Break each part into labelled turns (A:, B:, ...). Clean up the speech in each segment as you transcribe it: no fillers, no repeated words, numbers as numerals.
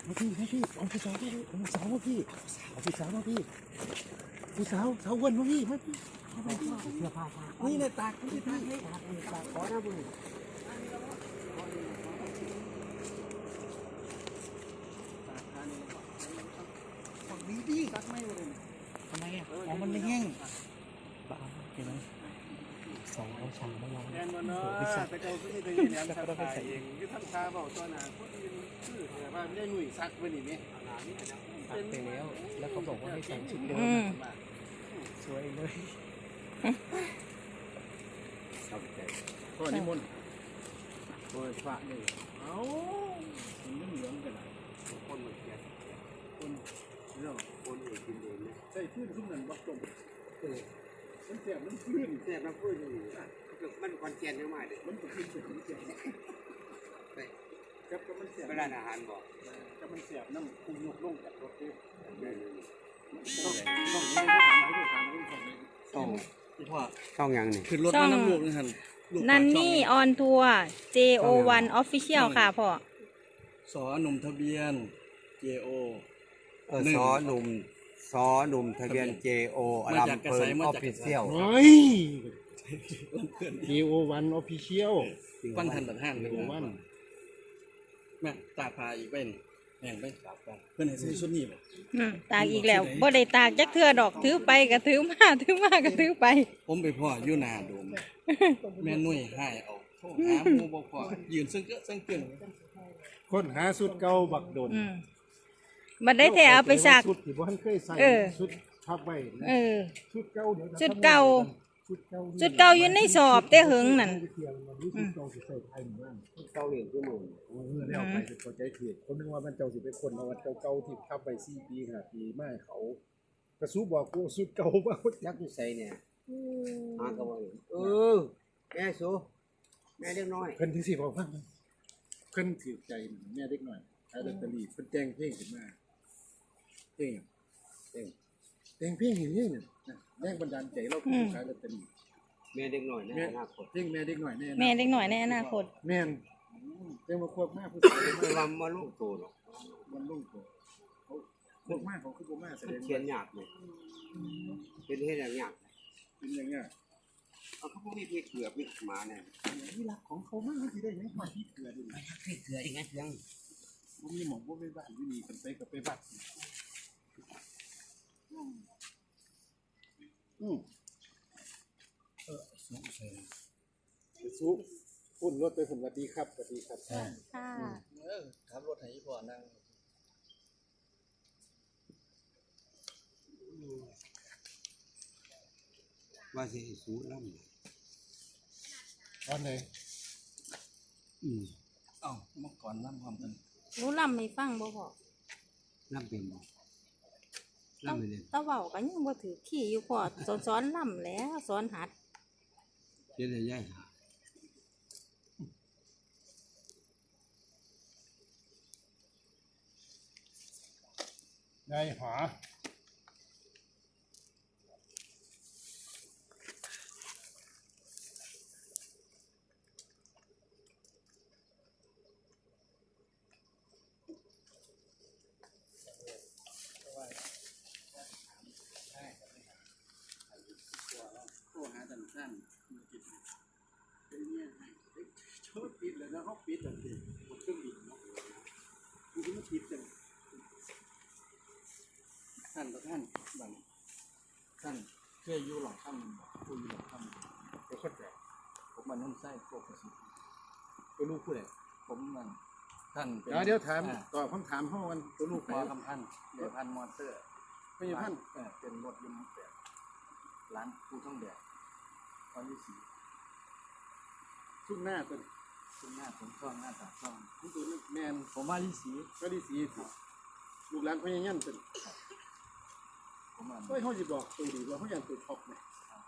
A: พี่เอาผู้สาวพี่เอาผู้สาวมาพี่เอาผู้สาวมาพี่ผู้สาวสาววันมาพี่มาพี่เสื้อผ้านี่เลยตากพี่ตากขอนะบุญฝั่งนี้ดิตักไม่เลยทำไมอ่ะของมันไม่แห้งบ้าเห็นไหมสองเอาช่างมาลอง
B: แอนวันเนาะไปเจ้าซื้อตัวยืนยันทำขายเองคือทำชาเบาตัวหนาคนอื่นคือแต่ว่าไม่ได้หนุ่ยซักไว้นี่ไหม
A: ซักไปแล้วเขาบอกว่าให้ใส่ชุดเดิมสวยเลยชอบใจก็นิมนต์โอ้ยฝาเลยเอามันเหลืองกันนะคนมันแก่คนเรื่องคนเองกินเองเนี่ยใส่พื้นทุกนั้นวัดตรงมันแสบมันพื้นแสบมันพื้นอยู่มันคอนเทนต์เยอะมากเลยมันเป็นพื้นเป็นแสบครับก็มันแสบเวลาอาหารบอกก็มันแสบน้ำคูยกลงจากรถด้วยต้องอย่างนี้คือรถน้ำลูกนี่ฮัน
C: นันนี่ออนทัวร์ JO1 Official ค่ะพ่อ
A: สอหนุ่มทะเบียน JO
D: สอหนุ่มทะเบียน JO ลำเพลิน Official
A: เฮ้ย JO1 Official
D: วันทันตัดห้างเลย
A: วัน
D: แม่ตาพาอีกเป็นแม่งไป
A: เพื่อนให้ซื้อชุดนี้บ่
C: ตากอีกแล้วบ่ได้ตากจักเทื่อดอกถือไปก็ถือมาถือมาก็ถือไป
D: ผมไปพ่ออยู่นาโดมแม่นุ่ยให้เอาโทษหาหมู่บ่พอยืนซึ่งเกิน
A: คนหาชุดเก่าบักโดน
C: มันได้แต่เอาไปซัก
A: ชุดที่บ่ทันเคยใส่ชุดทับไว้ชุดเก่าเดี๋ยว
C: ชุดเก่าอยู่ในสอบแต่หึงนั่น
A: ชุดเก่าสิใส่ไทยหมู่บ้านชุดเก่าเองคือหมู่แล้วไปเข้าใจผิดคนนึกว่ามันเจ้าสิเป็นคนเอาวัดเก่าๆที่ทับไว้4 ปี5 ปีมาเขากระซูบอกกูชุดเก่าว่า
D: ยักษ์อยู่ใส่เนี่ยหาก็บ่แม่สูแม่เล็กน้อย
A: เพิ่นที่สิบอกว่าเพิ่นถือใจแม่เล็กน้อยขายลอตเตอรี่เพิ่นแต่งเพลงขึ้นมาเพลงเพลงอย่างนี้เนี่ยแรงบันดาลใจเราคือขายลอตเตอรี่
D: แม่เด็กน้อยในอนาคต
A: เพลงแม่เด็กน้อยใน
C: แม่เด็กน้อยในอนาคต
A: แม่นเรื่องมาควบมากผู้ชาย
D: ไม่ว่ามาลูกโตหรอก
A: มันลูกโตเขาควบมากเขาคือบ่มากแสดง
D: เขียนยากเลยเป็นเฮ็ดยาก
A: เป็นอย่างเงี้ย
D: เอาเขาพวกนี้พี่เกือบพี่หมาเนี่ย
A: นี่รักของเขามากที่ได้ยังมาพี่เกลือดิ
D: พี่เกือบอีกไงยัง
A: บ่มีหม่องบ่ไปบ้านอยู่นี่กันไปกับไปบ้านสู้พุ่นรถไปสวัสดีครับสวัสดีครับ
C: ค่ะ
A: ขับรถให้พ่อนั่ง
D: ว่าสิสู้ลำ
A: ตอนไหน
D: เอ้าเมื่อก่อนลำความกัน
C: รู้ลำไม่ฟังบ่พอ
D: ลำเป็นบ่ลำไม่เล่น
C: ตะเว้าก็ยังบ่ถือขี้อยู่พอสอนลำแล้วสอนหัด
D: เฮ็ดได้ยาย
A: นายหาสั้นเป็นเนี่ยชอบปิดเลยนะเขาปิดแบบนี้หมดเครื่องบินเนาะมันก็ไม่ปิดจังท่านกับท่านบังท่านเคยอยู่หลังถ้ำผู้อยู่หลังถ้ำไปเข้าใจผมมันนุ่มไส้โกกระสุนตัวลูกผู้ใดผมมันท่านเดี๋ยวถามตอบคำถามห้องกันตัวลูกขอคำท่านเดี๋ยวพันมอเตอร์ไม่ใช่ท่านเป็นรถยนต์แบบร้านผู้ท่องแดดตอนที่4ชุดหน้าตัวชุดหน้าผมช่องหน้าตาช่องนี่ตัวแมนผมมาที่สีก็ที่สีลูกหลานพญายันเป็นผมมาเฮ้ยเขาจะบอกตัวดีว่าเขาอย่างตัวท็อปเนี่ย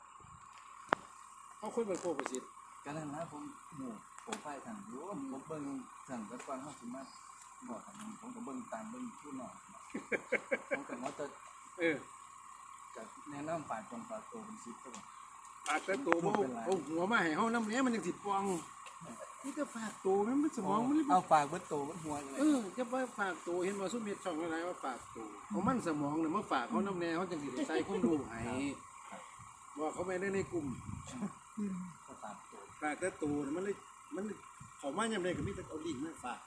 A: เขาคนเป็นโคประสิทธิ์
D: การนั้นนะผมไปสั่งอยู่ผมเบิ่งสั่งกระฟังเขาสมาบอกกันผมก็เบิ่งตามเบิ่งผู้หน่อยผมก็ว่าจะจะแนะนำฝ่ายคนฝ่ายโตเป็นซิปก็บอก
A: ปากแต่โตโม่หัวมาให้เขาน้ำเนี้ยมันยังติดฟอง
B: นี่ก็ฝากตัวมันสมองมัน
D: เอาฝากเบิดโตเบิดหัวเลย
B: จะว่าฝากตัวเห็นว่าซุ่มเฮ็ดช่องอะไรว่าฝากตัวเอามันสมองเนี่ยมาฝากเขาน้ำแน่เขาจังสิได้ใส่ความรู้ให้ว่าเขาไม่ได้ในกลุ่ม
D: ก็ตามโต
B: ฝากแต่ตัวเนี่ยมันเขามาย่ำใดก็มีแต่เอาลิงก์มาฝาก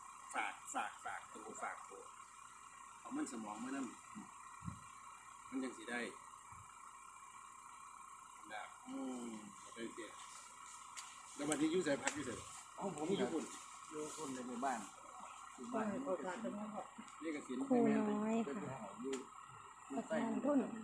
B: ตัวเอามันสมองมานั่นมันจังสิได้แบบได้เดียวแล้ววันนี้อยู่ใส่พักอยู่ใส่
D: เอาผมอยู่คนอยู่คนในหมู่บ้านอยู่บ้าน
B: นี่ก็สิน
C: ครูน้อย
D: เป็น
C: ค่ะ
D: หออยู่
C: ประธานทุน